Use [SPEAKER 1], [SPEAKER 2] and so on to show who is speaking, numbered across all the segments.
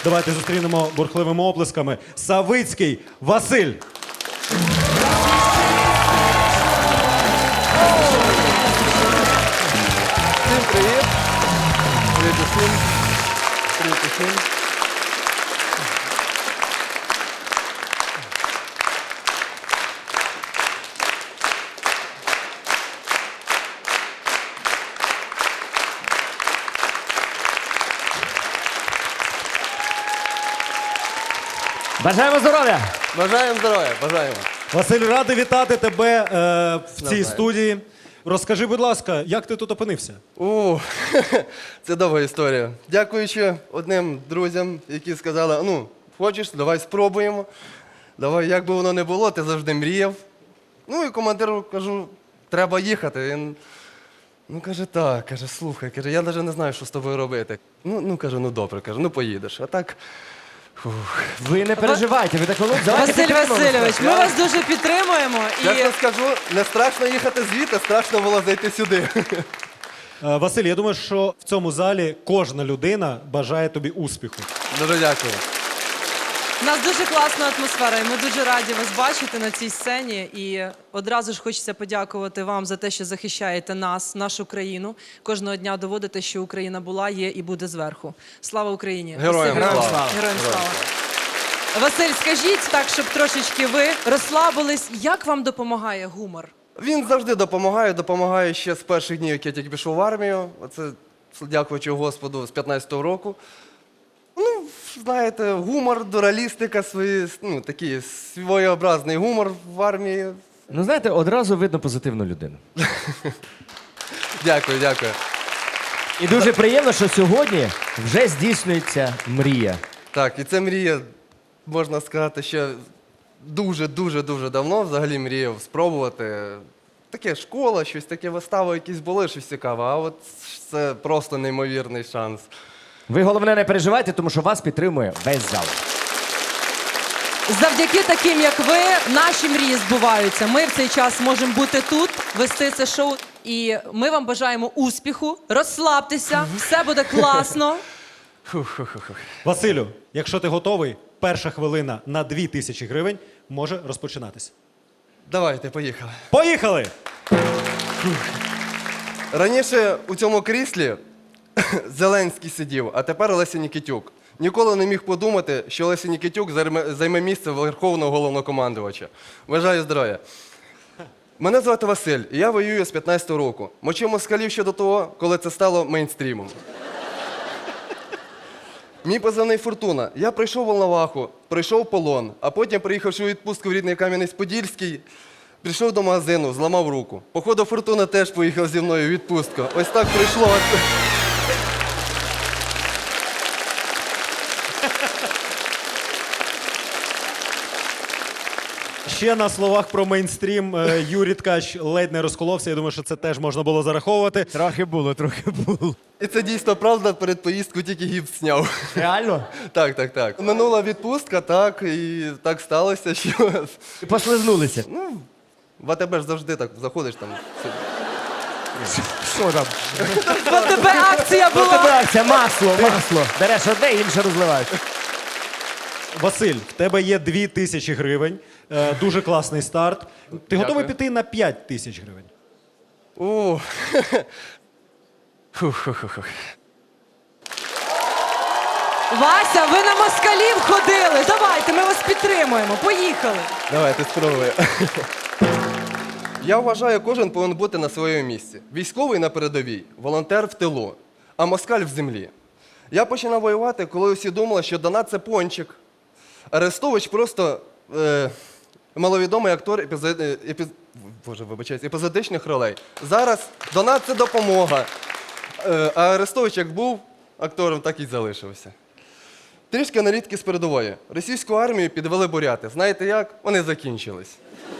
[SPEAKER 1] Давайте зустрінемо бурхливими оплесками. Савицький Василь.
[SPEAKER 2] Всім привіт! Привіт усім! Привіт усім!
[SPEAKER 3] Бажаємо здоров'я!
[SPEAKER 2] Бажаємо здоров'я! Бажаємо!
[SPEAKER 1] Василь, радий вітати тебе в цій
[SPEAKER 2] Навзаєм.
[SPEAKER 1] студії. Розкажи, будь ласка, як ти тут опинився?
[SPEAKER 2] Це довга історія. Дякуючи одним друзям, які сказали, ну, хочеш, давай спробуємо. Давай, як би воно не було, ти завжди мріяв. Ну і командиру кажу, треба їхати. Він, каже, так, каже, слухай, каже, я навіть не знаю, що з тобою робити. Каже, добре, каже, поїдеш. А так,
[SPEAKER 3] Ви не переживайте, ви так давайте
[SPEAKER 4] Василь
[SPEAKER 3] підтримаємо.
[SPEAKER 4] Васильович, ми вас дуже підтримуємо.
[SPEAKER 2] чесно скажу, не страшно їхати звідти, страшно було зайти сюди.
[SPEAKER 1] Василь, я думаю, що в цьому залі кожна людина бажає тобі успіху.
[SPEAKER 2] Дуже дякую.
[SPEAKER 4] У нас дуже класна атмосфера, і ми дуже раді вас бачити на цій сцені. І одразу ж хочеться подякувати вам за те, що захищаєте нас, нашу країну. Кожного дня доводите, що Україна була, є і буде зверху. Слава Україні!
[SPEAKER 2] Героям
[SPEAKER 4] Василь,
[SPEAKER 2] слава!
[SPEAKER 4] Героям слава! Василь, скажіть так, щоб трошечки ви розслабились. Як вам допомагає гумор?
[SPEAKER 2] Він завжди допомагає ще з перших днів, як я тільки пішов в армію. Оце, дякуючи Господу, з 15-го року. Знаєте, гумор, дуралістика, такий своєобразний гумор в армії.
[SPEAKER 3] Ну, знаєте, одразу видно позитивну людину.
[SPEAKER 2] Дякую, дякую.
[SPEAKER 3] І дуже приємно, що сьогодні вже здійснюється мрія.
[SPEAKER 2] Так, і це мрія, можна сказати, ще дуже давно взагалі мріяв спробувати. Таке школа, щось таке, вистави якісь були, щось цікаве, а от це просто неймовірний шанс.
[SPEAKER 3] Ви, головне, не переживайте, тому що вас підтримує весь зал.
[SPEAKER 4] Завдяки таким, як ви, наші мрії збуваються. Ми в цей час можемо бути тут, вести це шоу. І ми вам бажаємо успіху, розслабтеся, все буде класно.
[SPEAKER 1] Василю, якщо ти готовий, перша хвилина на 2000 гривень може розпочинатися.
[SPEAKER 2] Давайте, поїхали.
[SPEAKER 1] Поїхали!
[SPEAKER 2] Раніше у цьому кріслі Зеленський сидів, а тепер Олеся Нікітюк. Ніколи не міг подумати, що Олеся Нікітюк займе місце Верховного Головнокомандувача. Бажаю здоров'я. Мене звати Василь, і я воюю з 15-го року. Мочив москалів ще до того, коли це стало мейнстрімом. Мій позивний «Фортуна». Я прийшов в Волноваху, пройшов полон, а потім, приїхавши у відпустку в рідний Кам'янець-Подільський, прийшов до магазину, зламав руку. Походу, «Фортуна» теж поїхав зі мною у відпустку. Ось так прийшло.
[SPEAKER 1] Ще на словах про мейнстрім Юрій Ткач ледь не розколовся. Я думаю, що це теж можна було зараховувати.
[SPEAKER 3] Трохи було.
[SPEAKER 2] І це дійсно правда, перед поїздкою тільки гіпс зняв.
[SPEAKER 3] Реально?
[SPEAKER 2] Так. Минула відпустка, так, і так сталося, що...
[SPEAKER 3] І послизнулися.
[SPEAKER 2] В АТБ ж завжди так заходиш там.
[SPEAKER 3] Що там?
[SPEAKER 4] В тебе акція
[SPEAKER 3] Ну,
[SPEAKER 4] була.
[SPEAKER 3] тебе акція, масло. Береш одне, інше розливаєш.
[SPEAKER 1] Василь, в тебе є 2000 гривень. Дуже класний старт. Ти готовий піти на 5000 гривень?
[SPEAKER 2] О,
[SPEAKER 4] Вася, ви на москалів ходили. Давайте, ми вас підтримуємо. Поїхали.
[SPEAKER 2] давайте спробуємо. Я вважаю, кожен повинен бути на своєму місці. Військовий на передовій, волонтер в тилу, а москаль в землі. Я починав воювати, коли усі думали, що Донат – це пончик. Арестович просто маловідомий актор епізодичних ролей. Зараз Донат – це допомога. А Арестович як був актором, так і залишився. Трішки аналітики з передової. Російську армію підвели буряти. Знаєте як? Вони закінчились.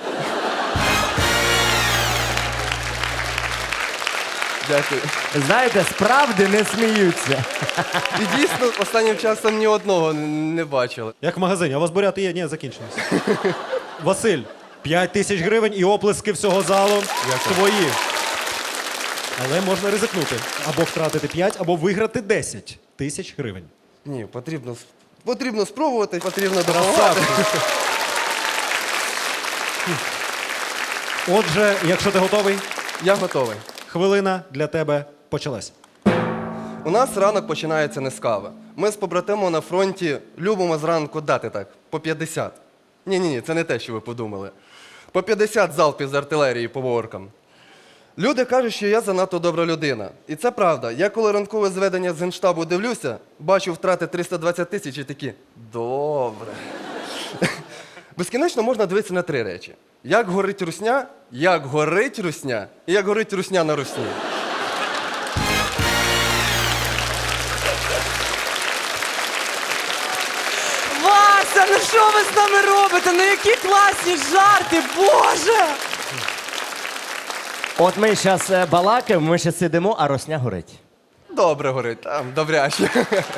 [SPEAKER 2] Дякую.
[SPEAKER 3] Знаєте, справді не сміються.
[SPEAKER 2] І дійсно, останнім часом ні одного не бачили.
[SPEAKER 1] Як в магазині. А у вас буряти є? Ні, закінчилися. Василь, 5000 гривень і оплески всього залу твої. Але можна ризикнути. Або втратити 5, або виграти 10 тисяч гривень.
[SPEAKER 2] Ні, потрібно Потрібно спробувати, потрібно допомагати.
[SPEAKER 1] Красавчик. Отже, якщо ти готовий,
[SPEAKER 2] Я готовий.
[SPEAKER 1] хвилина для тебе почалась.
[SPEAKER 2] У нас ранок починається не з кави. Ми з побратимом на фронті любимо зранку дати так, по 50. Ні, це не те, що ви подумали. По 50 залпів з артилерії по воркам. Люди кажуть, що я занадто добра людина. І це правда. Я коли ранкове зведення з Генштабу дивлюся, бачу втрати 320 тисяч і такі добре. Безкінечно можна дивитися на три речі. Як горить русня, як горить русня і як горить русня на русні.
[SPEAKER 4] Вася, ну що ви з нами робите? Ну які класні жарти, Боже!
[SPEAKER 3] От ми зараз балакаємо, ми ще сидимо, а росня горить.
[SPEAKER 2] Добре горить, там, добряче.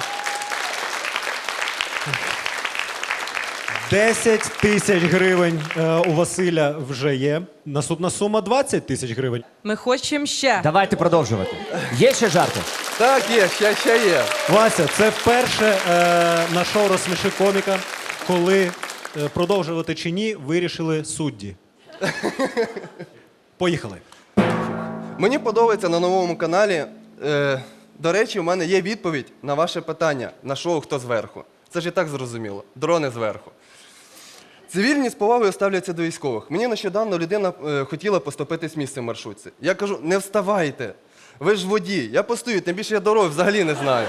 [SPEAKER 1] 10 тисяч гривень у Василя вже є. Наступна сума 20 тисяч гривень.
[SPEAKER 4] Ми хочемо ще.
[SPEAKER 3] Давайте продовжувати. Є ще жарти?
[SPEAKER 2] Так, є, ще є.
[SPEAKER 1] Вася, це вперше на шоу «Розсміши коміка», коли продовжувати чи ні, вирішили судді. Поїхали.
[SPEAKER 2] Мені подобається на новому каналі. До речі, у мене є відповідь на ваше питання на шоу «Хто зверху?». Це ж і так зрозуміло. Дрони зверху. Цивільні з повагою ставляться до військових. Мені нещодавно людина хотіла поступитись місце в маршрутці. Я кажу, не вставайте. Ви ж водій. Я постою, тим більше я дороги взагалі не знаю.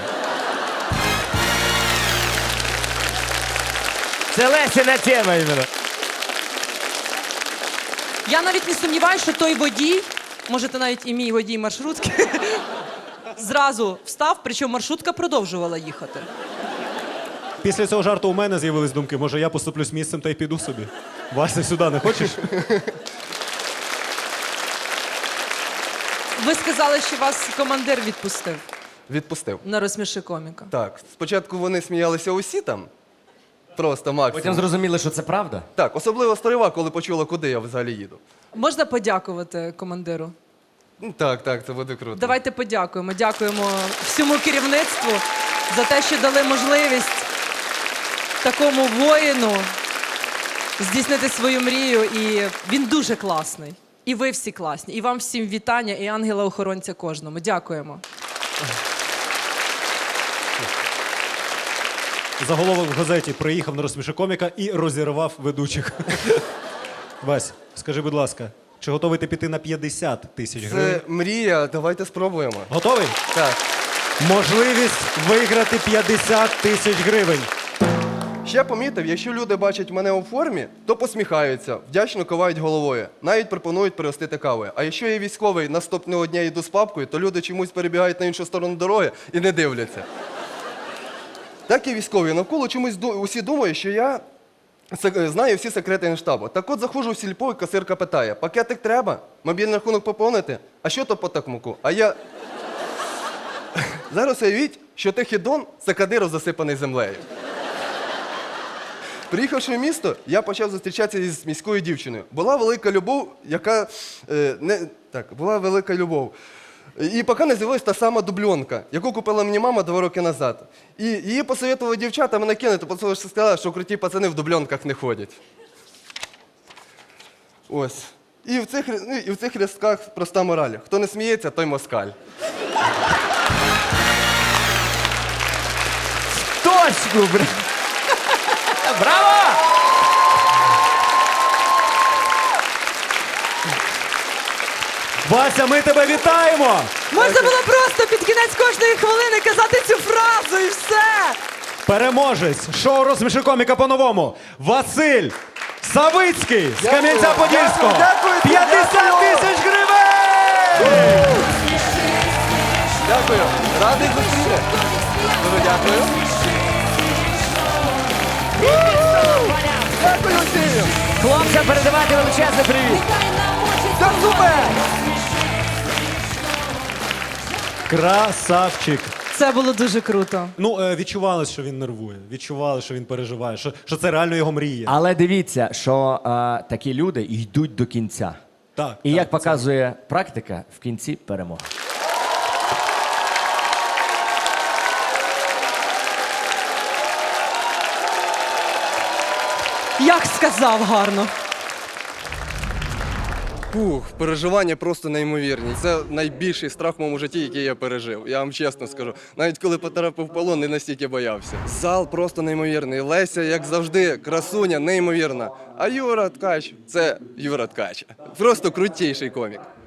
[SPEAKER 3] Це Лесіна тема іменно.
[SPEAKER 4] Я навіть не сумніваюся, що той водій, може, це навіть і мій водій маршрутки, зразу встав, причому маршрутка продовжувала їхати.
[SPEAKER 1] Після цього жарту у мене з'явились думки, може я поступлюсь місцем та й піду собі. Вася, сюди не хочеш?
[SPEAKER 4] Ви сказали, що вас командир відпустив
[SPEAKER 2] Відпустив.
[SPEAKER 4] на «Розсміши коміка».
[SPEAKER 2] Так, спочатку вони сміялися усі там. Просто максимум.
[SPEAKER 3] Потім зрозуміли, що це правда.
[SPEAKER 2] Так, особливо старива, коли почула, куди я взагалі їду.
[SPEAKER 4] Можна подякувати командиру?
[SPEAKER 2] Так, це буде круто.
[SPEAKER 4] Давайте подякуємо. Дякуємо всьому керівництву за те, що дали можливість такому воїну здійснити свою мрію. І він дуже класний. І ви всі класні. І вам всім вітання, і ангела-охоронця кожному. Дякуємо.
[SPEAKER 1] Заголовок в газеті «Приїхав на «Розсміши коміка» і розірвав ведучих. Вась, скажи, будь ласка, чи готовий ти піти на 50 тисяч гривень?
[SPEAKER 2] Це мрія, давайте спробуємо.
[SPEAKER 1] Готовий?
[SPEAKER 2] Так.
[SPEAKER 1] Можливість виграти 50 тисяч гривень.
[SPEAKER 2] Ще помітив, якщо люди бачать мене у формі, то посміхаються, вдячно кивають головою, навіть пропонують пригостити кавою. А якщо я військовий наступного дня йду з папкою, то люди чомусь перебігають на іншу сторону дороги і не дивляться. Так і військові. Навколо чомусь усі думають, що я знаю всі секрети Генштабу. Так от заходжу в сільпо, і касирка питає, пакетик треба? Мобільний рахунок поповнити? А що то по такмуку? А я... Зараз уявіть, що Тихідон – це Кадиров, засипаний землею. Приїхавши в місто, я почав зустрічатися із міською дівчиною. Була велика любов, яка... була велика любов. І поки не з'явилась та сама дубльонка, яку купила мені мама 2 роки назад. І її посоветували дівчата мене кинути, тому що сказали, що круті пацани в дубльонках не ходять. Ось. І в цих рядках проста мораль. Хто не сміється, той москаль.
[SPEAKER 3] Точку, бра! Браво!
[SPEAKER 1] Вася, ми тебе вітаємо!
[SPEAKER 4] Можна було просто під кінець кожної хвилини казати цю фразу і все!
[SPEAKER 1] Переможець шоу «Розсміши коміка» по-новому. Василь Савицький з Кам'янця-Подільського.
[SPEAKER 2] Дякую,
[SPEAKER 1] 50 тисяч гривень!
[SPEAKER 2] Дякую. Радий зустріти. Дуже дякую. Дякую всім.
[SPEAKER 3] Хлопцям передавати величезний привіт.
[SPEAKER 2] Це супер!
[SPEAKER 1] Красавчик.
[SPEAKER 4] Це було дуже круто.
[SPEAKER 1] Ну, відчували, що він нервує, відчували, що він переживає, що це реально його мрія.
[SPEAKER 3] Але дивіться, що такі люди йдуть до кінця.
[SPEAKER 1] Так,
[SPEAKER 3] І
[SPEAKER 1] так,
[SPEAKER 3] як показує практика, в кінці перемога.
[SPEAKER 4] Як сказав гарно.
[SPEAKER 2] Фух, переживання просто неймовірні. Це найбільший страх в моєму житті, який я пережив. Я вам чесно скажу. Навіть коли потрапив в полон, не настільки боявся. Зал просто неймовірний. Леся, як завжди, красуня, неймовірна. А Юра Ткач – це Юра Ткач. Просто крутіший комік.